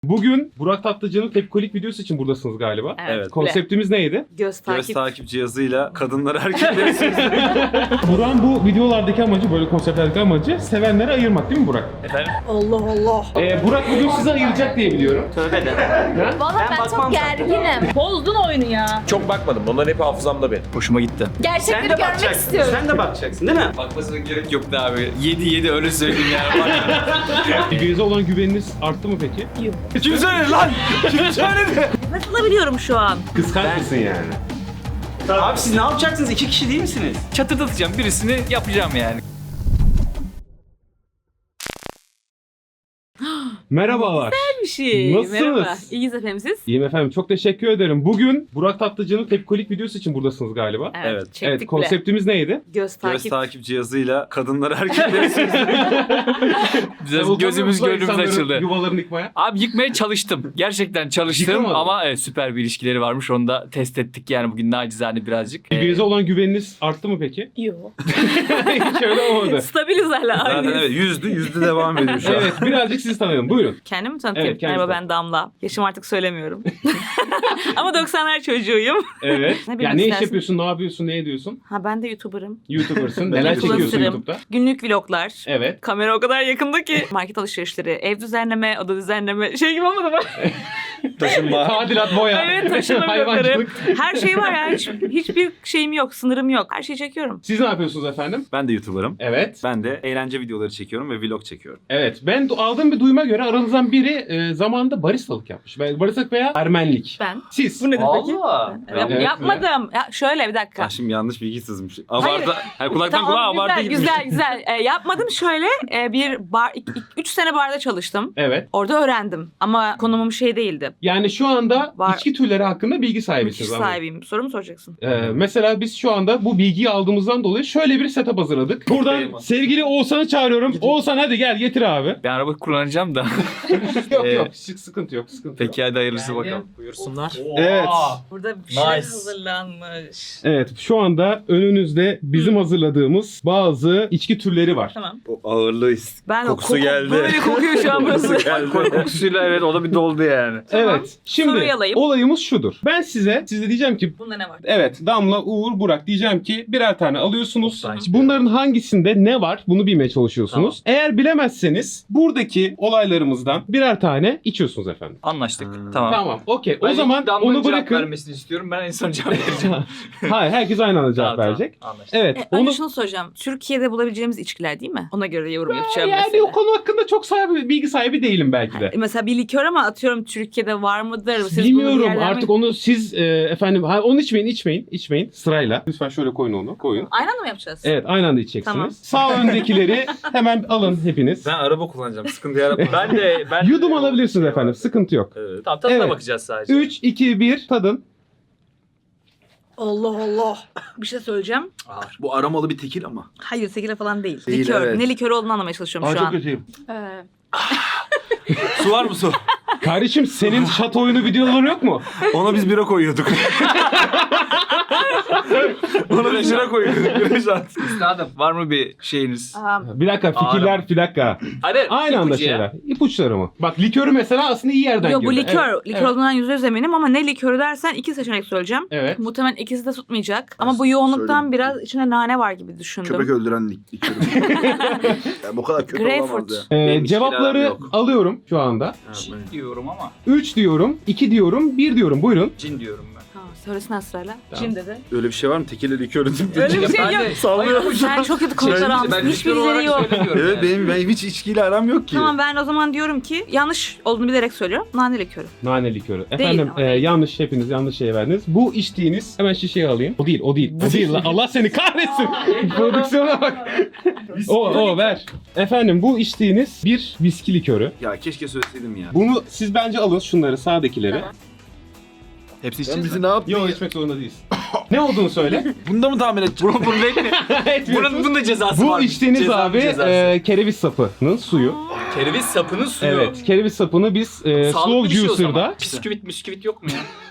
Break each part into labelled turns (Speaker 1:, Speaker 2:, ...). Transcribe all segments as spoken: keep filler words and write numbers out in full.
Speaker 1: Bugün Burak Tatlıcı'nın tepkolik videosu için buradasınız galiba.
Speaker 2: Evet.
Speaker 1: Konseptimiz neydi?
Speaker 2: Göz takip.
Speaker 3: Göz takip cihazıyla kadınları erkekleri seçiyor.
Speaker 1: Burak'ın bu videolardaki amacı, böyle konseptlerdeki amacı sevenleri ayırmak değil mi Burak?
Speaker 4: Efendim?
Speaker 2: Allah Allah.
Speaker 1: Ee, Burak bugün sizi ayıracak diye biliyorum.
Speaker 4: Tövbe de.
Speaker 5: Valla ben, çok gerginim.
Speaker 2: Bozdun oyunu ya.
Speaker 6: Çok bakmadım. Onların hep hafızamda benim.
Speaker 4: Hoşuma gitti.
Speaker 5: Gerçekleri görmek istiyorum.
Speaker 4: Sen de bakacaksın değil mi?
Speaker 3: Bakmasına gerek yoktu abi. Yedi yedi öyle söyleyeyim yani.
Speaker 1: Birbirinize olan güveniniz arttı mı peki?
Speaker 2: Yok.
Speaker 3: Kim söyledi lan? Kim söyledi?
Speaker 2: Nefes alabiliyorum şu an.
Speaker 1: Kıskanç mısın yani?
Speaker 4: Abi siz ne yapacaksınız? İki kişi değil misiniz?
Speaker 3: Çatırdatacağım birisini yapacağım yani.
Speaker 1: Merhabalar.
Speaker 2: Bir şey.
Speaker 1: Nasılsınız?
Speaker 2: Merhaba. İyiyiz efendim siz?
Speaker 1: İyiyim efendim. Çok teşekkür ederim. Bugün Burak Tatlıcı'nın tepkolik videosu için buradasınız galiba.
Speaker 3: Evet.
Speaker 2: Çektik
Speaker 1: Evet,
Speaker 2: bile.
Speaker 1: konseptimiz neydi?
Speaker 2: Göz takip.
Speaker 3: Göz takip cihazıyla kadınları erkekleri seçiyor.
Speaker 1: Sen
Speaker 3: Gözümüz
Speaker 1: utanmıyor musun
Speaker 3: gönlümüz
Speaker 1: insanların
Speaker 3: açıldı.
Speaker 1: Yuvalarını yıkmaya.
Speaker 3: Abi yıkmaya çalıştım. Gerçekten çalıştım
Speaker 1: Yıkamadın.
Speaker 3: ama evet, süper bir ilişkileri varmış. Onu da test ettik yani bugün nacizane birazcık.
Speaker 1: Birbirinize olan güveniniz arttı mı peki?
Speaker 2: Yok.
Speaker 1: Hiç öyle olmadı.
Speaker 2: Stabiliz hala.
Speaker 3: Zaten
Speaker 2: aynıyız.
Speaker 3: evet yüzdü yüzdü devam ediyor şu an.
Speaker 1: Evet, birazcık sizi tanıyalım. Buyurun.
Speaker 2: Kendimi tanıtayım.
Speaker 1: Evet, kendinizi
Speaker 2: Merhaba ben Damla. Yaşım artık söylemiyorum. Ama doksanlar çocuğuyum.
Speaker 1: Evet.
Speaker 2: Ne
Speaker 1: ya
Speaker 2: bilmek
Speaker 1: ne iş
Speaker 2: istersin?
Speaker 1: yapıyorsun, ne yapıyorsun, ne ediyorsun?
Speaker 2: Ha ben de YouTuber'ım.
Speaker 1: YouTuber'sın. Neler çekiyorsun
Speaker 2: Influencer'ım.
Speaker 1: YouTube'da?
Speaker 2: Günlük vloglar.
Speaker 1: Evet.
Speaker 2: Kamera o kadar yakında ki. Market alışverişleri, ev düzenleme, oda düzenleme. Şey gibi olmadı mı?
Speaker 1: Taşınma. Tadilat, boya.
Speaker 2: Evet taşıma vlogları.
Speaker 1: Hayvancılık.
Speaker 2: Her şey var ya. Hiç, hiçbir şeyim yok, sınırım yok. Her şeyi çekiyorum.
Speaker 1: Siz ne yapıyorsunuz efendim?
Speaker 3: Ben de YouTuber'ım.
Speaker 1: Evet.
Speaker 3: Ben de eğlence videoları çekiyorum ve vlog çekiyorum.
Speaker 1: Evet. Ben du- aldığım bir duyuma göre aranızdan biri e, zamanında baristalık yapmış. Ben- Baristalık veya ermenlik.
Speaker 2: Ben.
Speaker 1: Siz.
Speaker 2: Bu nedir peki?
Speaker 4: Allah.
Speaker 2: Evet,
Speaker 1: Evet.
Speaker 2: yapmadım. Ya şöyle bir dakika.
Speaker 3: Ah şimdi yanlış bilgi sızmış.
Speaker 2: Hayır.
Speaker 3: Abartı. Hayır, kulaktan
Speaker 2: Tamam,
Speaker 3: kulağa
Speaker 2: güzel,
Speaker 3: abartı gitmiş.
Speaker 2: güzel güzel. Ee, yapmadım şöyle. e, bir bar, iki- iki- üç sene barda çalıştım.
Speaker 1: Evet.
Speaker 2: Orada öğrendim. Ama konumum şey değildi.
Speaker 1: Yani şu anda
Speaker 2: Var.
Speaker 1: içki türleri hakkında bilgi
Speaker 2: Müthiş
Speaker 1: sahibisiniz. anladım.
Speaker 2: sahibiyim. Soru mu soracaksın?
Speaker 1: Ee, mesela biz şu anda bu bilgiyi aldığımızdan dolayı şöyle bir setup hazırladık. Buradan
Speaker 4: Eyvallah.
Speaker 1: sevgili Oğuzhan'ı çağırıyorum. Oğuzhan hadi gel getir abi.
Speaker 3: Ben araba kullanacağım da.
Speaker 1: Yok
Speaker 3: Ee,
Speaker 1: yok sık- sıkıntı yok sıkıntı yok.
Speaker 3: Peki hadi hayırlısı bakalım.
Speaker 4: Buyursunlar.
Speaker 1: Evet.
Speaker 2: Burada bir şey
Speaker 4: Nice.
Speaker 2: hazırlanmış.
Speaker 1: Evet şu anda önünüzde bizim hazırladığımız bazı içki türleri var.
Speaker 2: Tamam.
Speaker 3: O ağırlığı
Speaker 2: Ben
Speaker 3: kokusu
Speaker 2: o koku,
Speaker 3: geldi.
Speaker 2: Böyle kokuyor şu an burası.
Speaker 3: Kokusuyla evet o da bir doldu yani.
Speaker 2: Tamam.
Speaker 1: Evet şimdi
Speaker 2: Soruyu alayım.
Speaker 1: olayımız şudur. Ben size size diyeceğim ki
Speaker 2: Bunda ne var?
Speaker 1: evet Damla, Uğur, Burak diyeceğim ki birer tane alıyorsunuz.
Speaker 4: Tamam.
Speaker 1: Bunların hangisinde ne var bunu bilmeye çalışıyorsunuz. Eğer bilemezseniz buradaki olaylarımızdan birer tane içiyorsunuz efendim.
Speaker 3: Anlaştık.
Speaker 4: Hmm.
Speaker 3: Tamam.
Speaker 1: Tamam okey o
Speaker 4: Ben
Speaker 1: zaman
Speaker 4: Damla'nın
Speaker 1: onu
Speaker 4: cevap
Speaker 1: bırakın.
Speaker 4: vermesini istiyorum. Ben en son cevap vereceğim.
Speaker 1: Hayır herkes aynı anda cevap
Speaker 4: Tamam,
Speaker 1: verecek.
Speaker 4: tamam. Anlaştık.
Speaker 1: Evet
Speaker 2: E,
Speaker 1: onu
Speaker 2: önce şunu soracağım. Türkiye'de bulabileceğimiz içkiler değil mi? Ona göre yorum yapacağım
Speaker 1: yani
Speaker 2: mesela.
Speaker 1: o konu hakkında çok sahibi, bilgi sahibi değilim belki de.
Speaker 2: E, Mesela bir likör ama atıyorum Türkiye'de var mıdır? Siz bunu bir
Speaker 1: Bilmiyorum
Speaker 2: yerden mi-
Speaker 1: artık onu siz e, efendim ha, onu içmeyin içmeyin içmeyin sırayla. Lütfen şöyle koyun onu koyun.
Speaker 2: Aynı anda mı yapacağız?
Speaker 1: Evet aynı anda içeceksiniz.
Speaker 2: Tamam.
Speaker 1: Sağ öndekileri hemen alın hepiniz.
Speaker 6: Ben araba kullanacağım. Sıkıntı yaratma.
Speaker 4: Ben de ben
Speaker 1: Yudum alabilirsiniz efendim sıkıntı yok.
Speaker 6: Evet.
Speaker 4: Tamam tadına
Speaker 1: Evet.
Speaker 4: bakacağız sadece.
Speaker 1: üç, iki, bir tadın.
Speaker 2: Allah Allah. Bir şey söyleyeceğim.
Speaker 4: Ağır.
Speaker 6: Bu aramalı bir tekil ama.
Speaker 2: Hayır sekile falan değil.
Speaker 6: Değil,
Speaker 2: likör.
Speaker 6: evet.
Speaker 2: Ne likörü olduğunu anlamaya çalışıyorum
Speaker 6: Aa,
Speaker 2: şu
Speaker 6: çok
Speaker 2: an.
Speaker 6: kötüyüm.
Speaker 2: Ee,
Speaker 6: Su var mı su?
Speaker 1: Kardeşim senin şato oyunu videoları yok mu?
Speaker 3: Ona biz bira koyuyorduk. Ona biz bira koyuyorduk. Bira şart.
Speaker 4: Üstadım.
Speaker 3: Var mı bir şeyiniz?
Speaker 2: aa,
Speaker 1: Bir dakika fikirler bir dakika.
Speaker 4: Hadi.
Speaker 1: Aynı anda
Speaker 4: ipucu ya.
Speaker 1: şeyler. İpuçları mı? Bak likörü mesela aslında iyi yerden
Speaker 2: Yok bu
Speaker 1: girdi.
Speaker 2: likör.
Speaker 1: Evet.
Speaker 2: Likör
Speaker 1: Evet.
Speaker 2: olduğundan yüzde yüz eminim ama ne likörü dersen iki seçenek söyleyeceğim.
Speaker 1: Evet.
Speaker 2: Muhtemelen ikisi de tutmayacak. Ama bu yoğunluktan
Speaker 6: Söyleyeyim.
Speaker 2: biraz içine nane var gibi düşündüm.
Speaker 6: Köpek öldüren lik likörü. Yani bu kadar kötü
Speaker 2: Greyfurt.
Speaker 6: olamaz ya.
Speaker 1: Ee,
Speaker 3: Benim
Speaker 1: cevapları
Speaker 3: içkiler yok.
Speaker 1: alıyorum şu anda.
Speaker 6: Ha,
Speaker 4: Cin
Speaker 6: ben-
Speaker 4: diyorum ama.
Speaker 1: üç diyorum, iki diyorum, bir diyorum. Buyurun.
Speaker 4: Cin diyorum ben.
Speaker 2: Ha, söylesin sırayla.
Speaker 1: Tamam.
Speaker 2: Cin dedi.
Speaker 6: Öyle bir şey var mı? Tekille likörü.
Speaker 2: Öyle bir şey
Speaker 4: Ben
Speaker 2: yok.
Speaker 4: de-
Speaker 6: Sallıyor.
Speaker 2: Sen çok kötü konular
Speaker 4: Ben
Speaker 2: almışsın.
Speaker 4: likör
Speaker 2: Hiçbir
Speaker 4: olarak
Speaker 2: izleri yok.
Speaker 4: söylemiyorum
Speaker 6: Evet
Speaker 4: yani.
Speaker 6: benim, benim hiç içkiyle aram yok ki.
Speaker 2: Tamam ben o zaman diyorum ki yanlış olduğunu bilerek söylüyorum. Nane likörü.
Speaker 1: Nane likörü. Efendim
Speaker 2: ama
Speaker 1: e,
Speaker 2: değil.
Speaker 1: yanlış hepiniz yanlış şey verdiniz. Bu içtiğiniz hemen şişeyi alayım. O değil o değil. O değil. lan. Allah seni kahretsin. Prodüksiyona bak. o o ver. Efendim bu içtiğiniz bir viski likörü.
Speaker 3: Ya keşke söyleseydim ya.
Speaker 1: Bunu siz bence alın şunları sağdakileri.
Speaker 2: Tamam.
Speaker 3: Hepsi
Speaker 6: Sen
Speaker 3: içeceğiz
Speaker 6: bizi
Speaker 3: mi?
Speaker 6: ne yaptın
Speaker 1: Yok
Speaker 6: ya?
Speaker 1: içmek zorunda değilsin. Ne olduğunu söyle.
Speaker 6: Bunda mı tahmin edeceğim?
Speaker 4: Bunu, bunu değil mi?
Speaker 1: Etmiyorsun.
Speaker 4: Bunun, bunun da cezası
Speaker 1: Bu
Speaker 4: var.
Speaker 1: içtiğiniz
Speaker 4: Cezanın
Speaker 1: abi
Speaker 4: cezası.
Speaker 1: e, kereviz sapının suyu.
Speaker 4: Kereviz sapının suyu.
Speaker 1: Evet kereviz sapını biz e,
Speaker 4: Sağlıklı
Speaker 1: slow
Speaker 4: bir şey o zaman.
Speaker 1: juicer'da
Speaker 4: Bisküvit bisküvit yok mu ya?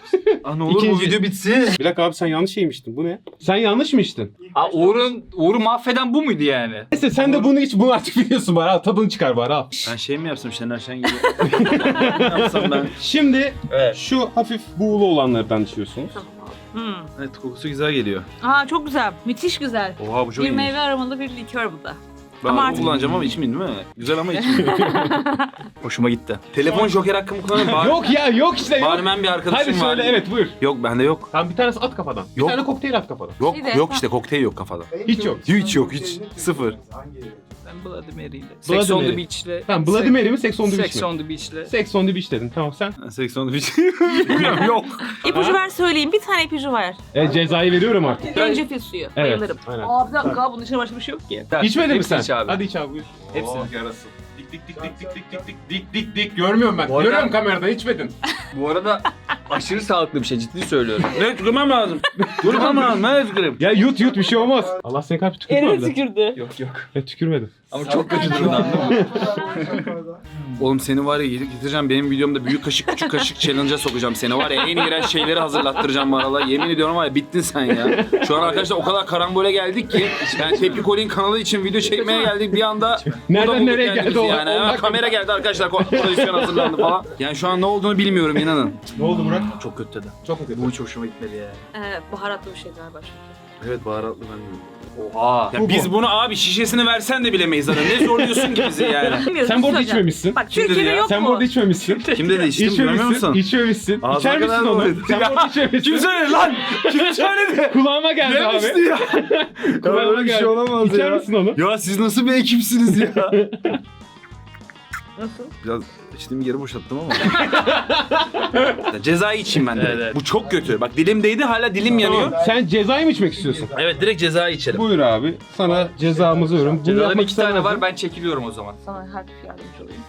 Speaker 6: Aa, ne olur bu
Speaker 1: İkinci.
Speaker 6: video bitsin.
Speaker 1: Bir dakika abi sen yanlış şey mi içtin? Bu ne? Sen yanlış mı içtin?
Speaker 3: Aa, Uğur'un, Uğur'u mahveden bu muydu yani?
Speaker 1: Neyse sen de bunu iç. Bunu artık biliyorsun bari. Al, tadını çıkar bari al.
Speaker 6: Ben şey mi yapsam Şener Şen gibi? Ne yapsam ben?
Speaker 1: Şimdi
Speaker 6: Evet.
Speaker 1: şu hafif buğulu olanlardan içiyorsunuz.
Speaker 2: Hmm.
Speaker 6: Evet kokusu güzel geliyor.
Speaker 2: Aa çok güzel. Müthiş güzel.
Speaker 6: Oha bu çok
Speaker 2: Bir
Speaker 6: iyi.
Speaker 2: meyve aromalı bir likör bu da.
Speaker 6: Ben
Speaker 2: Ama
Speaker 6: bunu
Speaker 2: artık-
Speaker 6: kullanacağım ama içmeyeyim değil mi? Güzel ama içmeyeyim.
Speaker 3: Hoşuma gitti.
Speaker 6: Telefon joker hakkımı kullanayım. Bari,
Speaker 1: Yok ya yok işte yok.
Speaker 6: bari ben bir arkadaşım
Speaker 1: Hadi
Speaker 6: var.
Speaker 1: söyle evet buyur.
Speaker 6: Yok bende yok.
Speaker 1: Tamam bir tanesi at kafadan. Bir
Speaker 6: Yok.
Speaker 1: tane kokteyl at kafadan.
Speaker 6: Yok
Speaker 2: Bir de-
Speaker 6: yok işte kokteyl yok kafada.
Speaker 1: Hiç yok.
Speaker 6: Hiç yok hiç. Sıfır.
Speaker 3: Ben Bloody Mary'yle.
Speaker 1: Bloody
Speaker 3: Sex on
Speaker 1: Mary.
Speaker 3: the Beach'le.
Speaker 1: Tamam Bloody Mary mi Sex on the Beach
Speaker 3: Sex
Speaker 1: mi?
Speaker 3: on the Beach'le.
Speaker 1: Sex on the Beach dedin. Tamam sen.
Speaker 6: seksen bir şey bilmiyorum yok.
Speaker 2: İpucu ver söyleyeyim. Bir tane ipucu var.
Speaker 1: E, cezayı veriyorum artık.
Speaker 2: Zencefil suyu.
Speaker 1: Evet.
Speaker 2: Bayılırım.
Speaker 1: Aynen.
Speaker 2: Aa bir dakika bunun içinde başka bir şey yok ki.
Speaker 1: İçmedin mi
Speaker 3: Hepsini
Speaker 1: sen?
Speaker 3: iç abi.
Speaker 1: Hadi iç abi buyur.
Speaker 3: Hepsini.
Speaker 1: Oh, yarası. Dik dik dik dik dik dik dik dik dik dik dik görmüyorum ben.
Speaker 3: Bu arada-
Speaker 1: Görüyorum kameradan içmedin.
Speaker 3: Bu arada aşırı sağlıklı bir şey, ciddi söylüyorum.
Speaker 6: Ne tükürmem lazım. Tükürmem lazım. Ne tüküreyim?
Speaker 1: Ya yut yut bir şey olmaz. Allah seni kalp tükürme
Speaker 2: Eline
Speaker 1: abi.
Speaker 2: tükürdü.
Speaker 3: Yok yok.
Speaker 1: Ben tükürmedim.
Speaker 3: Ama çok kötü durumda, anladın mı?
Speaker 6: Oğlum seni var ya getireceğim benim videomda büyük kaşık küçük kaşık challenge'a sokacağım seni var ya en iğrenç şeyleri hazırlattıracağım bu aralar. Yemin ediyorum var ya bittin sen ya. Şu an arkadaşlar o kadar karambole geldik ki yani Tepki Kolin kanalı için video çekmeye geldik bir anda.
Speaker 1: Nereden
Speaker 6: burada bulduk
Speaker 1: nereye
Speaker 6: kendimizi
Speaker 1: geldi o?
Speaker 6: Yani hemen kamera geldi arkadaşlar ko- prodüksiyon hazırlandı falan. Yani şu an ne olduğunu bilmiyorum inanın.
Speaker 1: Ne oldu Burak?
Speaker 6: Çok kötü dedi.
Speaker 1: Çok mu kötü?
Speaker 6: Bu hiç hoşuma gitmedi ya.
Speaker 2: Ee, baharatlı bir şey galiba çünkü.
Speaker 6: Evet baharatlı ben de.
Speaker 3: Oha.
Speaker 6: Ya
Speaker 1: Bu
Speaker 6: biz
Speaker 1: bu.
Speaker 6: bunu abi şişesini versen de bilemeyiz zaten. Ne zorluyorsun ki bizi yani.
Speaker 2: Bilmiyorum,
Speaker 1: Sen bu arada
Speaker 2: söyleyeceğim.
Speaker 1: içmemişsin.
Speaker 2: Bak
Speaker 6: Kim dedi
Speaker 2: Türkiye'de
Speaker 6: ya?
Speaker 2: yok
Speaker 1: Sen
Speaker 2: mu?
Speaker 1: bu arada içmemişsin.
Speaker 6: Kim dedi içtim görmüyor
Speaker 1: İçmemişsin.
Speaker 6: musun?
Speaker 1: İçmemişsin.
Speaker 6: Ağzına
Speaker 1: İçer misin
Speaker 6: kadar
Speaker 1: onu?
Speaker 6: doluydu.
Speaker 1: Sen bu arada içmemişsin.
Speaker 6: Kim söyledi lan? Kim söyledi?
Speaker 1: Kulağıma geldi abi.
Speaker 6: Demişti ya.
Speaker 1: Kulağıma
Speaker 6: öyle bir
Speaker 1: geldi.
Speaker 6: şey olamaz
Speaker 1: İçer
Speaker 6: ya.
Speaker 1: misin onu?
Speaker 6: Ya siz nasıl bir ekipsiniz ya?
Speaker 2: Nasıl?
Speaker 6: Biraz içtiğim yeri boşalttım ama. Ya cezayı içeyim ben direkt.
Speaker 3: Evet, evet.
Speaker 6: Bu çok kötü. Bak dilim değdi hala dilim yanıyor.
Speaker 1: Tamam. Sen cezayı mı içmek istiyorsun?
Speaker 6: Evet direkt cezayı içelim.
Speaker 1: Buyur abi. Sana cezamızı veriyorum. Bunu
Speaker 3: Cezaların
Speaker 1: yapmak
Speaker 3: iki tane
Speaker 1: istemezdim.
Speaker 3: var, ben çekiliyorum o zaman.
Speaker 2: Sana hafif yardımcı olayım.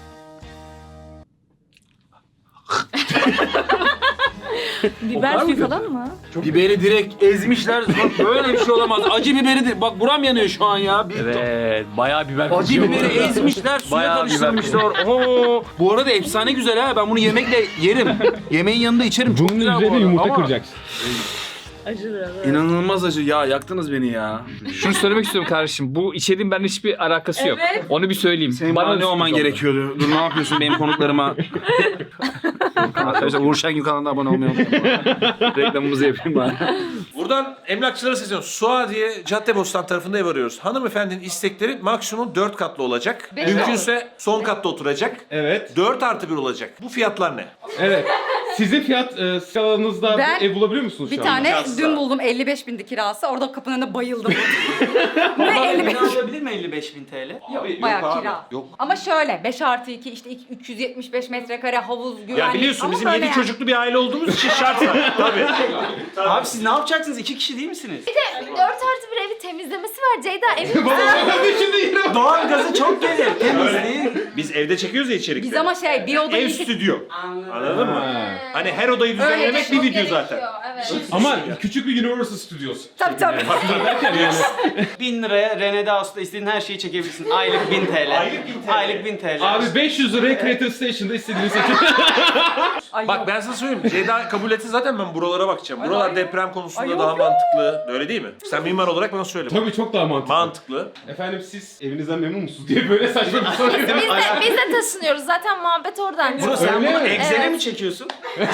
Speaker 2: Biber suyu falan mı?
Speaker 6: Biberi direkt ezmişler. Bak böyle bir şey olamaz. Acı biberi de bak buram yanıyor şu an ya.
Speaker 3: Evet, bayağı biber
Speaker 6: Acı
Speaker 3: kokuyor bu
Speaker 6: biberi
Speaker 3: arada.
Speaker 6: ezmişler, suya
Speaker 3: Bayağı
Speaker 6: karıştırmışlar. Oo. Bu arada efsane güzel ha. Ben bunu yemekle yerim. Yemeğin yanında içerim. Çok
Speaker 1: Bunun
Speaker 6: güzel bu
Speaker 1: üzerine
Speaker 6: arada.
Speaker 1: yumurta
Speaker 6: Ama
Speaker 1: kıracaksın.
Speaker 2: Acı biraz. evet.
Speaker 6: İnanılmaz acı. Ya yaktınız beni ya.
Speaker 3: Şunu söylemek istiyorum kardeşim, bu içeriğin benimle hiçbir alakası yok.
Speaker 2: Evet.
Speaker 3: Onu bir söyleyeyim.
Speaker 6: Senin bana ne olman
Speaker 3: sürpriz oldu.
Speaker 6: gerekiyordu? Dur ne yapıyorsun benim konuklarıma? Arkadaşlar Uğur Şengül kanalına abone olmayı unutmayın. Reklamımızı yapayım bari.
Speaker 7: Buradan emlakçılara sesleniyoruz. Suadiye Caddebostan tarafında ev arıyoruz. Hanımefendinin istekleri maksimum dört katlı olacak. Mümkünse son katta oturacak.
Speaker 1: Evet.
Speaker 7: dört artı bir olacak. Bu fiyatlar ne?
Speaker 1: Evet. Sizin fiyat e, skalanızda
Speaker 8: Ben
Speaker 1: bir ev bulabiliyor musunuz
Speaker 8: Bir
Speaker 1: şu anda?
Speaker 8: tane
Speaker 7: Kirası.
Speaker 8: dün buldum elli beş bindi kirası. Orada kapının önünde bayıldım. ne elli beş?
Speaker 4: alabilir mi elli beş bin T L?
Speaker 8: Bayağı
Speaker 7: abi,
Speaker 8: kira.
Speaker 7: yok.
Speaker 8: Ama şöyle beş artı iki işte iki- üç yüz yetmiş beş metrekare havuz güvenlik.
Speaker 7: Ya biliyorsun
Speaker 8: Ama
Speaker 7: bizim
Speaker 8: böyle
Speaker 7: yedi
Speaker 8: yani.
Speaker 7: çocuklu bir aile olduğumuz için şartsa. Tabii.
Speaker 4: Abi siz ne yapacaksınız? İki kişi değil misiniz?
Speaker 5: Dört artı bir evi temizlemesi var Ceyda. Evi
Speaker 4: Doğal gazı çok gelir. Temizliği.
Speaker 7: Biz evde çekiyoruz ya içerikleri.
Speaker 8: Biz ama şey bir odayı
Speaker 7: Ev
Speaker 8: iki...
Speaker 7: stüdyo. Anladın mı? Hani her odayı
Speaker 5: Öyle
Speaker 7: düzenlemek bir
Speaker 5: çok
Speaker 7: video
Speaker 5: gerekiyor,
Speaker 7: zaten.
Speaker 5: Evet.
Speaker 1: Ama küçük bir Universal Studios.
Speaker 8: Tabii tabii.
Speaker 4: bin liraya Rene'de Ağustos'ta istediğin her şeyi çekebilirsin. Aylık bin T L. Aylık bin T L. Aylık bin T L.
Speaker 1: Abi beş yüz liraya Creator Station'da istediğini seçin.
Speaker 8: Ay,
Speaker 7: Bak
Speaker 8: yok.
Speaker 7: ben sana söyleyeyim. Ceyda kabul etse zaten ben buralara bakacağım. Buralar
Speaker 8: ay,
Speaker 7: deprem konusunda
Speaker 8: ay, yok,
Speaker 7: daha
Speaker 8: yok.
Speaker 7: mantıklı. Öyle değil mi? Sen mimar olarak bana söyle.
Speaker 1: Tabii çok daha mantıklı.
Speaker 7: Mantıklı.
Speaker 1: Efendim siz evinizden memnun musunuz diye böyle saçma bir soru.
Speaker 5: Biz de, biz de taşınıyoruz. Zaten muhabbet oradan
Speaker 7: Bro
Speaker 5: çıktı.
Speaker 7: sen
Speaker 1: Öyle
Speaker 7: bunu
Speaker 1: mi?
Speaker 7: Excel'e
Speaker 5: Evet.
Speaker 7: mi çekiyorsun?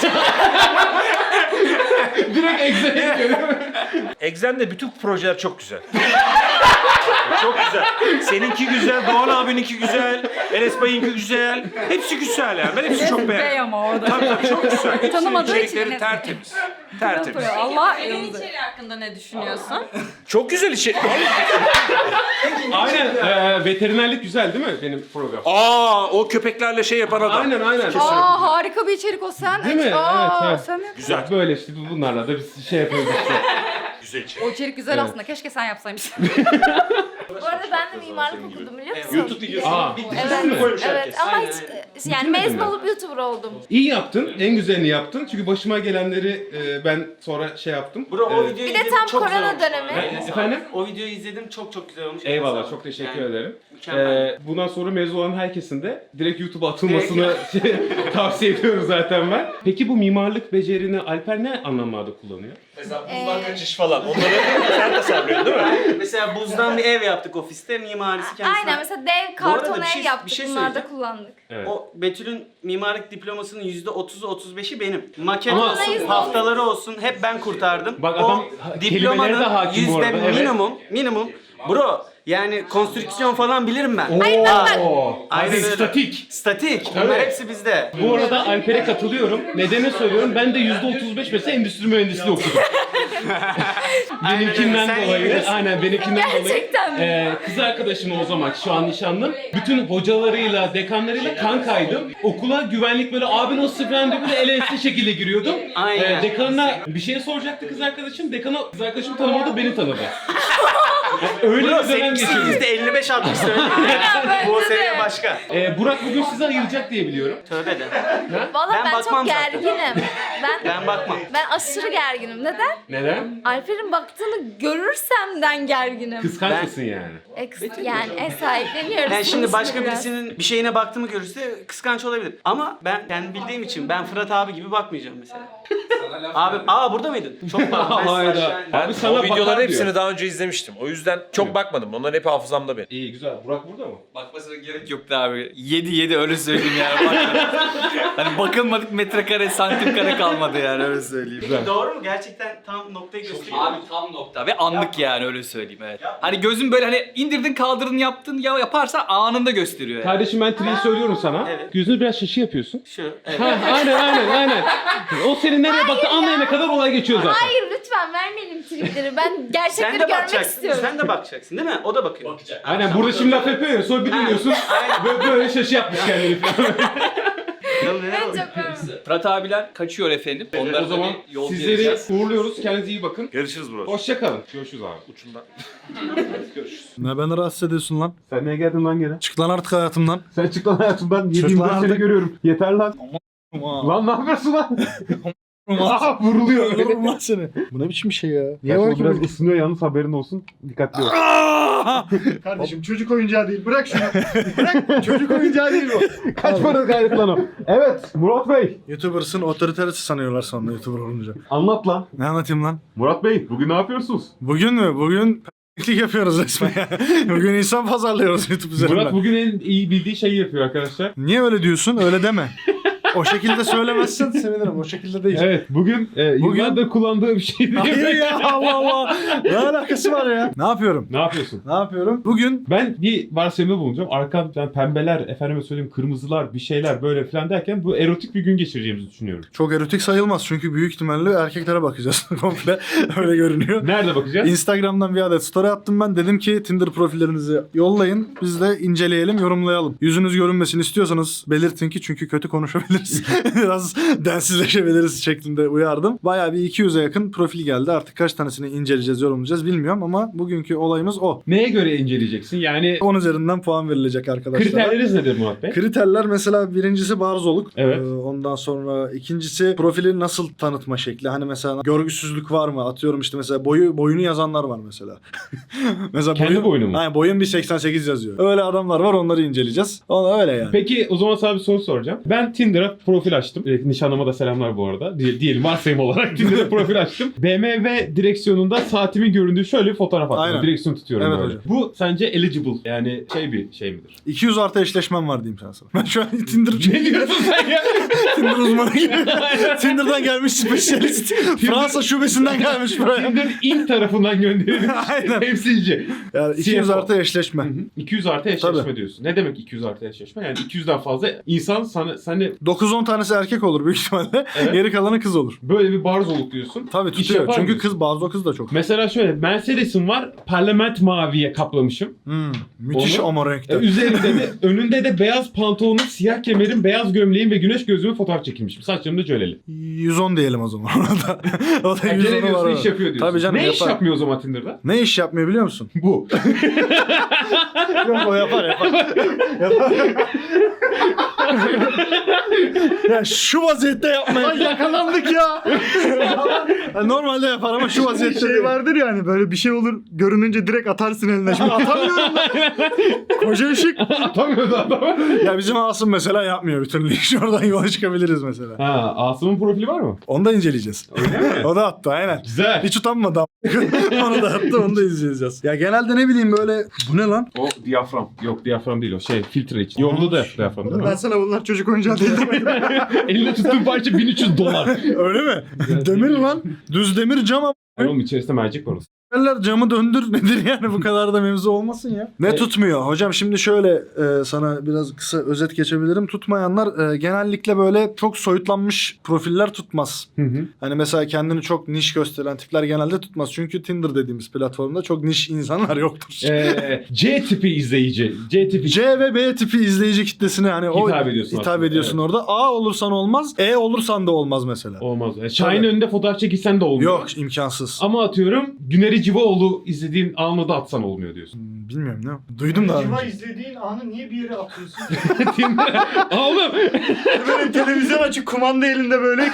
Speaker 1: Direkt Excel'e gidiyor.
Speaker 7: Excel'de bütün projeler çok güzel. Çok güzel. Seninki güzel, Doğan abininki güzel, Enes Bay'ınki güzel. Hepsi güzel yani. Ben hepsini çok
Speaker 8: Bey
Speaker 7: beğendim.
Speaker 8: ama orada.
Speaker 7: Tabii tabii çok güzel. Hepsinin
Speaker 8: Tanımadığı için
Speaker 7: içerikleri
Speaker 8: yine-
Speaker 7: tertemiz. Tertemiz.
Speaker 8: Allah
Speaker 2: Evin içeri hakkında ne düşünüyorsun?
Speaker 7: Çok güzel içerik.
Speaker 1: Aynen. E, veterinerlik güzel değil mi benim program?
Speaker 7: Aa o köpeklerle şey yapan adam.
Speaker 1: Aynen aynen.
Speaker 8: Aa harika bir içerik o sen.
Speaker 1: Değil mi?
Speaker 8: Aa,
Speaker 1: Evet, evet.
Speaker 8: sen mi?
Speaker 7: Güzel.
Speaker 1: Böyle işte bunlarla da biz şey yapıyoruz işte.
Speaker 7: Güzel içerik.
Speaker 8: O içerik güzel
Speaker 1: Evet.
Speaker 8: aslında. Keşke sen yapsaymışsın.
Speaker 5: Bu arada ben de mimarlık okudum biliyor musun?
Speaker 7: YouTube videosu.
Speaker 1: Aa.
Speaker 5: Evet,
Speaker 7: koymuş
Speaker 5: evet
Speaker 7: herkes.
Speaker 5: ama
Speaker 4: Aynen,
Speaker 5: hiç yani mezun olup YouTuber oldum.
Speaker 1: İyi yaptın. En güzelini yaptın. Çünkü başıma gelenleri e, ben sonra şey yaptım.
Speaker 4: Bro o
Speaker 1: E,
Speaker 4: videoyu
Speaker 5: Bir de
Speaker 4: izledim,
Speaker 5: tam
Speaker 4: çok güzel
Speaker 5: korona
Speaker 4: olmuş.
Speaker 5: dönemi.
Speaker 1: e, efendim?
Speaker 4: O videoyu izledim, çok çok güzel olmuş.
Speaker 1: Eyvallah, çok teşekkür
Speaker 4: Yani,
Speaker 1: ederim.
Speaker 4: Mükemmel.
Speaker 1: Ee, bundan sonra mezun olan herkesin de direkt YouTube'a atılmasını şey, tavsiye ediyorum zaten ben. Peki bu mimarlık becerini Alper ne anlamlarda kullanıyor?
Speaker 7: Mesela
Speaker 5: buzdan
Speaker 7: kaçış falan. Onları sen tasarlıyorsun değil mi?
Speaker 4: Mesela buzdan bir ev yaptık ofiste, mimarisi kendisi.
Speaker 5: Aynen mesela dev
Speaker 4: Bu arada
Speaker 5: karton
Speaker 4: bir
Speaker 5: ev
Speaker 4: şey-
Speaker 5: yaptık
Speaker 4: bir şey
Speaker 5: bunlarda
Speaker 4: söyleyeceğim.
Speaker 5: kullandık.
Speaker 1: Evet.
Speaker 4: O Betül'ün mimarlık diplomasının yüzde otuzu otuz beşi benim. Maket
Speaker 1: Ama-
Speaker 4: olsun,
Speaker 5: yüzde
Speaker 4: haftaları olsun hep ben kurtardım.
Speaker 1: Bak
Speaker 4: O
Speaker 1: adam ha- kelimelere de hakim bu
Speaker 4: yüzde
Speaker 1: arada, evet.
Speaker 4: minimum, minimum. Bro yani konstrüksiyon falan bilirim ben.
Speaker 5: Hayır, bak, bak.
Speaker 1: Oo,
Speaker 4: Aynen
Speaker 1: hadi
Speaker 4: öyle.
Speaker 1: statik.
Speaker 4: Statik.
Speaker 1: Tabii.
Speaker 4: Bunlar hepsi bizde.
Speaker 1: Bu arada Alper'e katılıyorum. Nedeni söylüyorum. Ben de yüzde otuz beş mesela endüstri mühendisliği okudum. benimkinden
Speaker 4: Sen iyi
Speaker 1: dolayı,
Speaker 4: bilirsin.
Speaker 1: aynen benimkinden
Speaker 5: Gerçekten mi?
Speaker 1: dolayı. Ee, kız arkadaşım o zaman şu an nişanlım. Bütün hocalarıyla, dekanlarıyla kankaydım. Okula güvenlik böyle abi nasıl falan diye böyle ele ense şekilde giriyordum.
Speaker 4: Aynen.
Speaker 1: Ee, dekanına bir şey soracaktı kız arkadaşım. Dekana kız arkadaşım tanımadı, beni tanıdı. Öyle
Speaker 4: Bro
Speaker 1: bir dönem
Speaker 4: seninkisi
Speaker 1: geçirdim.
Speaker 4: yüzde elli beş altmış söyleyeyim.
Speaker 5: bence
Speaker 4: Bu
Speaker 5: de.
Speaker 4: seviye başka.
Speaker 1: Ee, Burak bugün sizi ayıracak diye biliyorum.
Speaker 4: Tövbe de.
Speaker 5: Valla
Speaker 4: Ben
Speaker 5: ben,
Speaker 4: bakmam
Speaker 5: çok
Speaker 4: zaten.
Speaker 5: gerginim. Ben,
Speaker 4: Ben bakmam.
Speaker 5: ben aşırı gerginim. Neden?
Speaker 1: Neden?
Speaker 5: Alper'in baktığını görürsemden gerginim.
Speaker 1: Kıskanç
Speaker 4: Ben-
Speaker 1: mısın yani?
Speaker 5: Eks- yani e, sahipleniyoruz.
Speaker 4: Yani şimdi
Speaker 5: sonuçta
Speaker 4: başka
Speaker 5: biraz.
Speaker 4: birisinin bir şeyine baktığımı görürse kıskanç olabilir. Ama ben kendim bildiğim için ben Fırat abi gibi bakmayacağım mesela. Abi, aa burada mıydın? Çok pardon. Ben
Speaker 1: Hayda.
Speaker 4: aşağı-
Speaker 1: Abi sana
Speaker 7: o
Speaker 1: bakar
Speaker 7: videoların
Speaker 1: diyor.
Speaker 7: hepsini daha önce izlemiştim. O yüzden çok bakmadım. Onların hep hafızamda benim.
Speaker 1: İyi güzel. Burak burada mı?
Speaker 3: Bakmasına gerek yoktu abi. yedi yedi öyle söyleyeyim yani. Bak- hani bakılmadık metrekare santim kare kalmadı yani öyle söyleyeyim.
Speaker 4: Peki doğru mu? Gerçekten tam noktayı gösteriyor.
Speaker 3: Abi tam nokta ve anlık yani öyle söyleyeyim evet. Hani gözün böyle hani indirdin kaldırdın yaptın ya yaparsa anında gösteriyor yani.
Speaker 1: Kardeşim ben triyi söylüyorum sana.
Speaker 4: Evet.
Speaker 1: Gözünü biraz şaşı yapıyorsun.
Speaker 4: Şu. Evet.
Speaker 1: Ha, aynen aynen aynen. O senin nereye baktı anlayana kadar olay geçiyor zaten.
Speaker 5: Hayır lütfen vermeyelim tripleri. Ben
Speaker 4: Sen
Speaker 5: gerçekleri
Speaker 4: de
Speaker 5: görmek
Speaker 4: bakacaksın.
Speaker 5: istiyorum.
Speaker 4: Sen de bakacaksın değil mi? O da bakıyor. Bakacak.
Speaker 1: Aynen burada şimdi laf yapıyor ya sonra bir duyuyorsun böyle, böyle şaşı yapmış kendini falan.
Speaker 5: Ben çok memnunum.
Speaker 3: Fırat abiler kaçıyor efendim. Onları
Speaker 1: O zaman
Speaker 3: bir yol
Speaker 1: sizleri
Speaker 3: vereceğiz.
Speaker 1: uğurluyoruz. Kendinize iyi bakın.
Speaker 7: Görüşürüz bro.
Speaker 1: Hoşça kalın. Görüşürüz abi.
Speaker 7: Uçundan.
Speaker 9: Ne beni rahatsız ediyorsun lan?
Speaker 1: Sen niye geldin lan gene?
Speaker 9: Çık lan artık hayatımdan.
Speaker 1: Sen çık lan hayatımdan. Yediğim
Speaker 9: Çık lan
Speaker 1: seni
Speaker 9: artık.
Speaker 1: görüyorum. Yeter lan. Lan ne yapıyorsun lan? Aha vuruluyor.
Speaker 9: Öldürürüm lan seni. Bu ne biçim şey ya? Niye var
Speaker 1: Kaçma
Speaker 9: ki
Speaker 1: biraz
Speaker 9: bu?
Speaker 1: ısınıyor yalnız haberin olsun. Dikkatli ol.
Speaker 9: Kardeşim çocuk oyuncağı değil. Bırak şunu. Bırak. Çocuk oyuncağı değil bu.
Speaker 1: Kaç para gayret lan o. Evet Murat Bey.
Speaker 9: YouTuber'sın otoriterisi sanıyorlar sonra YouTuber olunca.
Speaker 1: Anlat lan.
Speaker 9: Ne anlatayım lan?
Speaker 1: Murat Bey bugün ne yapıyorsunuz?
Speaker 9: Bugün mü? Bugün p***lik yapıyoruz resmen ya. Bugün insan pazarlıyoruz YouTube üzerinden.
Speaker 1: Murat bugün en iyi bildiği şeyi yapıyor arkadaşlar.
Speaker 9: Niye öyle diyorsun? Öyle deme. O şekilde söylemezsen sevinirim. O şekilde değil.
Speaker 1: Evet bugün, e,
Speaker 9: Bugün-
Speaker 1: yıllardır kullandığı bir şey değil.
Speaker 9: Hayır ya Allah Allah. Ne alakası var ya? Ne yapıyorum?
Speaker 1: Ne yapıyorsun?
Speaker 9: Ne yapıyorum? Bugün
Speaker 1: Ben bir varsayımda bulunacağım. Arkamdan pembeler, efendime söyleyeyim kırmızılar, bir şeyler böyle falan derken bu erotik bir gün geçireceğimizi düşünüyorum.
Speaker 9: çok erotik sayılmaz çünkü büyük ihtimalle erkeklere bakacağız komple. Öyle görünüyor.
Speaker 1: Nerede bakacağız?
Speaker 9: Instagram'dan bir adet story attım ben. Dedim ki Tinder profillerinizi yollayın. Biz de inceleyelim, yorumlayalım. Yüzünüz görünmesini istiyorsanız belirtin ki çünkü kötü konuşabiliriz. Biraz densizleşebiliriz şeklinde uyardım. Bayağı bir iki yüze yakın profil geldi. Artık kaç tanesini inceleyeceğiz, yorumlayacağız bilmiyorum ama bugünkü olayımız o.
Speaker 1: Neye göre inceleyeceksin? Yani
Speaker 9: on üzerinden puan verilecek arkadaşlar.
Speaker 1: kriterleriniz nedir Murat Bey?
Speaker 9: Kriterler mesela birincisi barzoluk.
Speaker 1: Evet.
Speaker 9: Ee, ondan sonra ikincisi profili nasıl tanıtma şekli. Hani mesela görgüsüzlük var mı? Atıyorum işte mesela boyu boyunu yazanlar var mesela. mesela
Speaker 1: Kendi boyunu mu?
Speaker 9: Aynen boyun bir seksen sekiz yazıyor. Öyle adamlar var onları inceleyeceğiz. O öyle yani.
Speaker 1: Peki o zaman sana bir soru soracağım. Ben Tinder'a profil açtım. E, nişanlıma da selamlar bu arada. Diye, diyelim varsayım olarak Tinder'a profil açtım. B M W direksiyonunda saatimin göründüğü şöyle bir fotoğraf attım.
Speaker 9: Aynen.
Speaker 1: Direksiyon tutuyorum
Speaker 9: Evet
Speaker 1: böyle.
Speaker 9: hocam.
Speaker 1: Bu sence eligible yani şey bir şey midir?
Speaker 9: iki yüz artı eşleşmem var diyeyim sana. Ben şu an Tinder
Speaker 1: Ne diyorsun sen ya?
Speaker 9: Tinder uzmanı gibi. Tinder'dan gelmiş spesyalist. Fransa şubesinden gelmiş buraya.
Speaker 1: Tinder ilk tarafından gönderilmiş
Speaker 9: Aynen.
Speaker 1: temsilci.
Speaker 9: Yani iki yüz
Speaker 1: C F O.
Speaker 9: artı eşleşme.
Speaker 1: Hı hı. iki yüz artı eşleşme
Speaker 9: Tabii.
Speaker 1: diyorsun. Ne demek iki yüz artı eşleşme? Yani iki yüzden fazla insan sana, seni
Speaker 9: dokuz on tanesi erkek olur büyük ihtimalle.
Speaker 1: Evet.
Speaker 9: Geri kalanı kız olur.
Speaker 1: Böyle bir barzoluk diyorsun.
Speaker 9: Tabii
Speaker 1: İş
Speaker 9: tutuyor.
Speaker 1: yapar
Speaker 9: Çünkü
Speaker 1: mıyız?
Speaker 9: kız bazı o kız da çok.
Speaker 1: Mesela şöyle Mercedes'im var. Parlament maviye kaplamışım.
Speaker 9: Hmm, müthiş
Speaker 1: Onu-
Speaker 9: ama
Speaker 1: E,
Speaker 9: renkte.
Speaker 1: üzerinde de önünde de beyaz pantolonum, siyah kemerim, beyaz gömleğim ve güneş gözlüğümü fotoğraf çekilmişim. Saçlarım da cöleli.
Speaker 9: yüz on diyelim o zaman. o da, o da
Speaker 1: Yani
Speaker 9: yüz
Speaker 1: gene
Speaker 9: onu var.
Speaker 1: diyorsun
Speaker 9: o.
Speaker 1: iş yapıyor diyorsun.
Speaker 9: Tabii canım,
Speaker 1: ne iş
Speaker 9: yapar.
Speaker 1: yapmıyor o zaman Tinder'da?
Speaker 9: Ne iş yapmıyor biliyor musun?
Speaker 1: Bu.
Speaker 9: Yok o yapar yapar. yapar. ya şu vaziyette yapmaya.
Speaker 10: Ay yakalandık ya.
Speaker 9: Ya normalde yapar ama şu vaziyette
Speaker 10: şey
Speaker 9: değil.
Speaker 10: vardır ya hani böyle bir şey olur görününce direkt atarsın eline. Şimdi atamıyorum ben. Koca ışık.
Speaker 1: Atamıyordu adam.
Speaker 9: Ya bizim Asım mesela yapmıyor bir türlü iş. Oradan yola çıkabiliriz mesela.
Speaker 1: Ha, Asım'ın profili var mı?
Speaker 9: Onu da inceleyeceğiz.
Speaker 1: Öyle mi?
Speaker 9: O da attı aynen.
Speaker 1: Güzel.
Speaker 9: Hiç utanmadı. Onu da attı, onu da izleyeceğiz. Ya genelde ne bileyim böyle bu ne lan?
Speaker 1: O diyafram. Yok diyafram değil o şey filtre için. Yolda da diyafram değil
Speaker 10: Ben
Speaker 1: mi?
Speaker 10: sana bunlar çocuk oyuncağı değil demedim.
Speaker 1: Elinde tuttuğun parça bin üç yüz dolar.
Speaker 9: Öyle mi? Demir lan. Düz demir cam ama.
Speaker 1: Oğlum içerisinde mercek var o.
Speaker 9: Derler camı döndür nedir yani bu kadar da mevzu olmasın ya. Ne
Speaker 1: Evet.
Speaker 9: tutmuyor? Hocam şimdi şöyle e, sana biraz kısa özet geçebilirim. Tutmayanlar e, genellikle böyle çok soyutlanmış profiller tutmaz.
Speaker 1: Hı hı.
Speaker 9: Hani mesela kendini çok niş gösteren tipler genelde tutmaz. Çünkü Tinder dediğimiz platformda çok niş insanlar yoktur.
Speaker 1: Ee, C tipi izleyici. C tipi.
Speaker 9: C ve B tipi izleyici kitlesine hani o
Speaker 1: Hitap ediyorsun
Speaker 9: hitap
Speaker 1: aslında,
Speaker 9: ediyorsun orada. A olursan olmaz, E olursan da olmaz mesela.
Speaker 1: Olmaz. Yani Şahin önünde fotoğraf çekilsen de olmuyor.
Speaker 9: Yok imkansız.
Speaker 1: Ama atıyorum Güneri Civaoğlu izlediğin anı da atsan olmuyor diyorsun.
Speaker 9: Hmm, Bilmiyorum ne. Duydum da.
Speaker 10: Civa izlediğin anı niye bir yere atıyorsun?
Speaker 1: Oğlum.
Speaker 10: Böyle televizyon açık kumanda elinde böyle.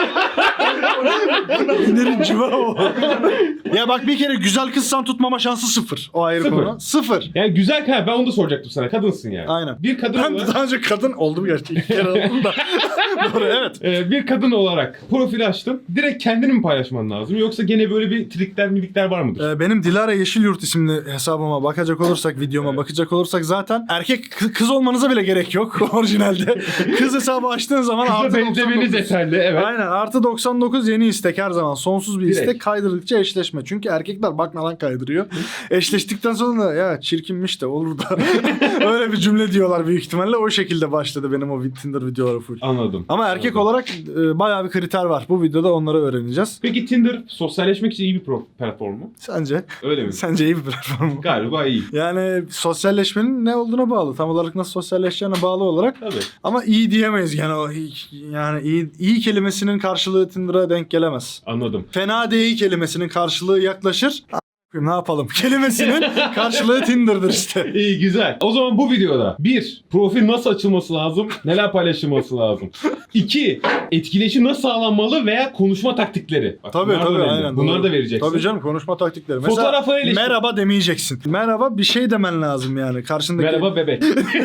Speaker 9: Güneri civa o. ya bak bir kere güzel kızsan tutmama şansı sıfır. O ayrı
Speaker 1: Sıfır.
Speaker 9: konu. Sıfır.
Speaker 1: Yani güzel ha ben onu da soracaktım sana. Kadınsın yani.
Speaker 9: Aynen.
Speaker 1: Bir kadın
Speaker 9: Ben
Speaker 1: olarak
Speaker 9: daha önce kadın oldum gerçi. İlk kere oldum da. Doğru evet.
Speaker 1: e, bir kadın olarak profil açtın. Direkt kendini mi paylaşman lazım yoksa gene böyle bir trikler milikler var mıdır?
Speaker 9: Ee, benim Dilara Yeşilyurt isimli hesabıma bakacak olursak, videoma bakacak olursak zaten erkek kı- kız olmanıza bile gerek yok orijinalde. Kız hesabı açtığın zaman
Speaker 1: Kıza
Speaker 9: artı
Speaker 1: benzemeniz
Speaker 9: doksan dokuz.
Speaker 1: yeterli evet.
Speaker 9: Aynen artı doksan dokuz yeni istek her zaman sonsuz bir
Speaker 1: Direkt.
Speaker 9: istek kaydırdıkça eşleşme. Çünkü erkekler bakmadan kaydırıyor. Eşleştikten sonra da ya çirkinmiş de olur da öyle bir cümle diyorlar büyük ihtimalle. O şekilde başladı benim o Tinder videoları full.
Speaker 1: Anladım.
Speaker 9: Ama erkek
Speaker 1: Anladım.
Speaker 9: olarak e, bayağı bir kriter var. Bu videoda onları öğreneceğiz.
Speaker 1: Peki Tinder sosyalleşmek için iyi bir pro- platform mu?
Speaker 9: Sence?
Speaker 1: Öyle mi?
Speaker 9: Sence iyi bir platform mu?
Speaker 1: Galiba iyi.
Speaker 9: Yani sosyalleşmenin ne olduğuna bağlı. Tam olarak nasıl sosyalleşeceğine bağlı olarak.
Speaker 1: Tabii.
Speaker 9: Ama iyi diyemeyiz yani o iyi- yani iyi, iyi kelimesinin karşılığı Tinder'a denk gelemez.
Speaker 1: Anladım.
Speaker 9: Fena değil kelimesinin karşılığı yaklaşır. A- Ne yapalım? Kelimesinin karşılığı Tinder'dır işte.
Speaker 1: İyi güzel. O zaman bu videoda bir, profil nasıl açılması lazım? Neler paylaşılması lazım? İki, etkileşim nasıl sağlanmalı veya konuşma taktikleri. Bak,
Speaker 9: Tabii
Speaker 1: bunlar da
Speaker 9: tabii
Speaker 1: önemli.
Speaker 9: aynen.
Speaker 1: Bunları
Speaker 9: doğru.
Speaker 1: da vereceksin.
Speaker 9: Tabii canım konuşma taktikleri. Mesela
Speaker 1: Fotoğrafı eleştir.
Speaker 9: merhaba demeyeceksin. Merhaba bir şey demen lazım yani. Karşındaki
Speaker 1: Merhaba bebek.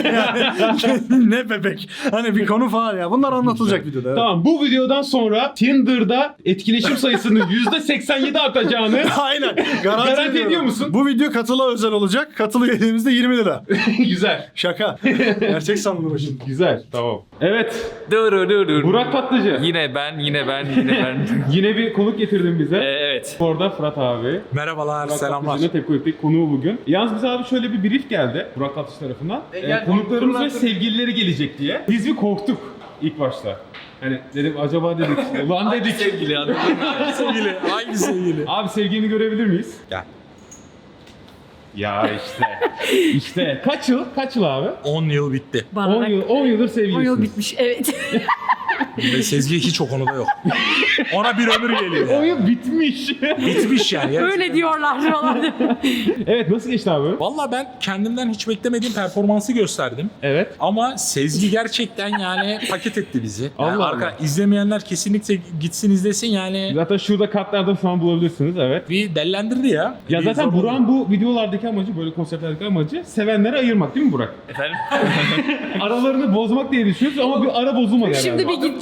Speaker 9: ne bebek. Hani bir konu falan ya. Bunlar anlatılacak videoda. Evet.
Speaker 1: Tamam bu videodan sonra Tinder'da etkileşim sayısının yüzde seksen yedi artacağını
Speaker 9: Aynen. Garanti,
Speaker 1: Garanti
Speaker 9: ediyorum.
Speaker 1: ediyor musun?
Speaker 9: Bu video katıla özel olacak. Katılı üyeliğimizde yirmi lira.
Speaker 1: güzel.
Speaker 9: Şaka. Gerçek sandım şimdi.
Speaker 1: Güzel. Tamam. Evet.
Speaker 3: Dur dur dur dur.
Speaker 1: Burak Tatlıcı.
Speaker 3: Yine ben, yine ben, yine ben.
Speaker 1: Yine bir konuk getirdin bize.
Speaker 3: Ee, evet.
Speaker 1: Orada Fırat abi.
Speaker 10: Merhabalar,
Speaker 1: Burak
Speaker 10: selamlar.
Speaker 1: Tatlıcı'nın Tepkolik'teki konuğu bugün. Yalnız bize abi şöyle bir brief geldi Burak Tatlıcı tarafından. Ee, konuklarımız ve sevgilileri gelecek diye. Biz bir korktuk ilk başta. Hani dedim acaba dedik. Ulan dedik.
Speaker 3: Sevgili anladın mı?
Speaker 10: Sevgili, hangi sevgili?
Speaker 1: Abi sevgilini görebilir miyiz?
Speaker 10: Gel.
Speaker 1: Ya işte. işte. Kaç yıl? Kaç yıl abi?
Speaker 10: on yıl bitti.
Speaker 1: on yıl, on yıldır
Speaker 2: on
Speaker 1: sevgilisiniz.
Speaker 2: yıl bitmiş evet.
Speaker 10: Ve Sezgi hiç o konuda yok. Ona bir ömür geliyor.
Speaker 1: on
Speaker 10: Yani.
Speaker 1: yıl bitmiş.
Speaker 10: Bitmiş yani.
Speaker 2: Öyle diyorlar falan.
Speaker 1: Evet nasıl geçti abi?
Speaker 11: Valla ben kendimden hiç beklemediğim performansı gösterdim.
Speaker 1: Evet.
Speaker 11: Ama Sezgi gerçekten yani paket etti bizi. Yani
Speaker 1: Allah
Speaker 11: arka,
Speaker 1: Allah.
Speaker 11: izlemeyenler kesinlikle gitsin izlesin yani.
Speaker 1: Zaten şurada kartlarda falan bulabilirsiniz evet.
Speaker 11: Bir dellendirdi ya.
Speaker 1: Ya
Speaker 11: Bir
Speaker 1: zaten
Speaker 11: zor oldu.
Speaker 1: Burak'ın bu videolardaki amacı, böyle konseptlerdeki amacı sevenlere ayırmak değil mi Burak?
Speaker 3: Efendim?
Speaker 1: Aralarını bozmak diye düşünüyoruz ama bir ara bozulmadı herhalde.
Speaker 2: Şimdi bir git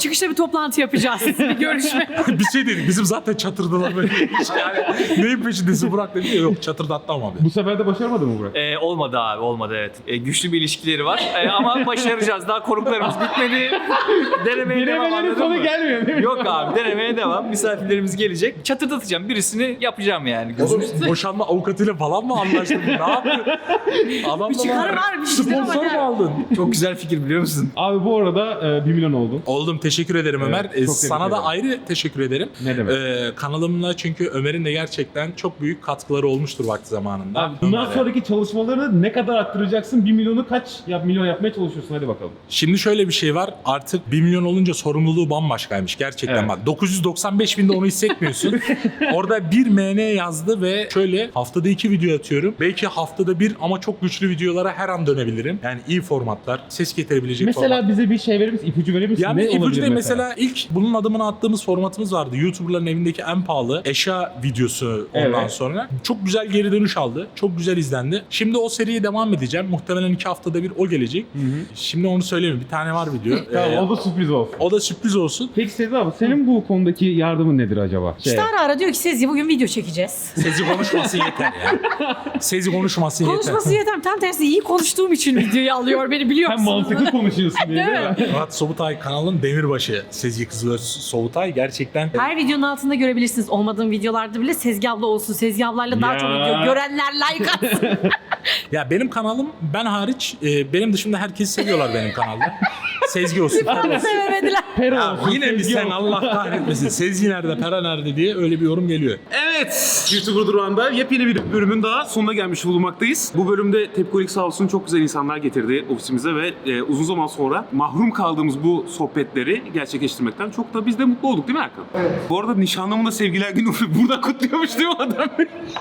Speaker 2: çıkışta bir toplantı yapacağız. Bir görüşme.
Speaker 11: bir şey dedik. Bizim zaten çatırdılar böyle. Yani neyin peşindesin Burak dedi. Yok çatırda atlamam abi.
Speaker 1: Bu sefer de başaramadın mı Burak?
Speaker 3: Ee, olmadı abi olmadı evet. Ee, güçlü bir ilişkileri var Ee, ama başaracağız. Daha konuklarımız bitmedi. Denemeye devam
Speaker 1: Denemelerin
Speaker 3: anladın
Speaker 1: sonu
Speaker 3: mı?
Speaker 1: gelmiyor değil mi?
Speaker 3: Yok abi denemeye devam. Misafirlerimiz gelecek. Çatırdatacağım. Birisini yapacağım yani.
Speaker 11: Oğlum boşanma avukatıyla falan mı anlaştın? Ne yapıyorsun? Adamla
Speaker 2: Bir çıkarı var, bir şey değil ama
Speaker 11: Sponsor
Speaker 2: yani.
Speaker 11: mu aldın?
Speaker 3: Çok güzel fikir biliyor musun?
Speaker 1: Abi bu arada e, bir milyon oldun.
Speaker 11: Oldum teşekkür ederim
Speaker 1: Evet,
Speaker 11: Ömer.
Speaker 1: çok
Speaker 11: Ee,
Speaker 1: tebrik
Speaker 11: sana
Speaker 1: ederim.
Speaker 11: da ayrı teşekkür ederim.
Speaker 1: Ne demek?
Speaker 11: Ee, kanalımla çünkü Ömer'in de gerçekten çok büyük katkıları olmuştur vakti zamanında.
Speaker 1: Abi bundan
Speaker 11: Ömer'e.
Speaker 1: sonraki çalışmalarını ne kadar arttıracaksın? bir milyonu kaç yap milyon yapmaya çalışıyorsun? Hadi bakalım.
Speaker 11: Şimdi şöyle bir şey var. Artık bir milyon olunca sorumluluğu bambaşkaymış gerçekten
Speaker 1: Evet.
Speaker 11: bak. dokuz yüz doksan beş binde onu hissetmiyorsun. Orada bir M N yazdı ve şöyle haftada iki video atıyorum. Belki haftada bir ama çok güçlü videolara her an dönebilirim. Yani iyi formatlar, ses getirebilecek
Speaker 1: Mesela
Speaker 11: formatlar.
Speaker 1: bize bir şey verir misin? İpucu verir misin?
Speaker 11: Yani
Speaker 1: Ne
Speaker 11: ipucu
Speaker 1: olabilir
Speaker 11: değil mesela ilk bunun adımını attığımız formatımız vardı. YouTuber'ların evindeki en pahalı eşya videosu ondan
Speaker 1: Evet.
Speaker 11: sonra. Çok güzel geri dönüş aldı. Çok güzel izlendi. Şimdi o seriye devam edeceğim. Muhtemelen iki haftada bir o gelecek. Şimdi onu söyleyeyim. Bir tane var video.
Speaker 1: Tamam
Speaker 11: Ee,
Speaker 1: o da sürpriz olsun.
Speaker 11: o da sürpriz olsun.
Speaker 1: Peki Sezgi abi senin bu konudaki yardımın nedir acaba? Şey,
Speaker 2: İşte ara ara diyor ki Sezgi bugün video çekeceğiz.
Speaker 11: Sezi konuşması yeter ya. Sezi konuşması yeter.
Speaker 2: Konuşması yeter. Tam tersi iyi konuştuğum için videoyu alıyor beni biliyor
Speaker 1: Sen
Speaker 2: musunuz?
Speaker 1: mantıklı konuşuyorsun diye değil mi?
Speaker 11: Murat Sobutay kanalın demirbaşı. Sezgi Kızılöz Sobutay gerçekten
Speaker 2: Her videonun altında görebilirsiniz. Olmadığım videolarda bile Sezgi abla olsun. Sezgi ablayla daha
Speaker 1: Ya.
Speaker 2: çok video. Görenler like atsın.
Speaker 11: ya benim kanalım ben hariç e, benim dışında herkesi seviyorlar benim kanalda. Sezgi olsun. Pera
Speaker 2: Bana
Speaker 11: olsun.
Speaker 2: sevemediler.
Speaker 1: Pera
Speaker 11: Ya
Speaker 1: olsun.
Speaker 11: yine mi
Speaker 1: Sezgi
Speaker 11: sen
Speaker 1: olsun.
Speaker 11: Allah kahretmesin. Sezgi nerede, Pera nerede diye öyle bir yorum geliyor.
Speaker 12: Evet, YouTuber Durağı'nda yepyeni bir bölümün daha sonuna gelmiş bulunmaktayız. Bu bölümde Tepkolik sağ olsun çok güzel insanlar getirdi ofisimize ve e, uzun zaman sonra mahrum kaldığımız bu sohbetleri gerçekleştirmekten çok da biz de mutlu olduk değil mi Erkan? Evet. Bu arada nişanlımın da sevgiler günü burada kutluyormuş değil mi adam?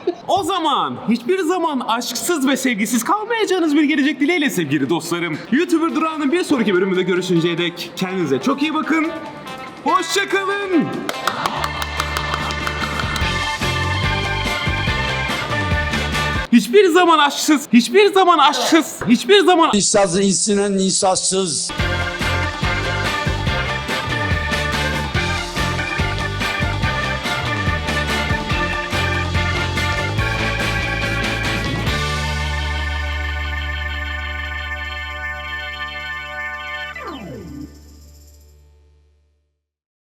Speaker 12: O zaman hiçbir zaman aşksız ve sevgisiz kalmayacağınız bir gelecek dileğiyle sevgili dostlarım. YouTuber Durağı'nın bir sonraki bölümünde görüşünceye dek kendinize çok iyi bakın. Hoşçakalın. Hiçbir zaman aşksız, hiçbir zaman aşksız, hiçbir zaman
Speaker 13: İnsaz insinen insazsız.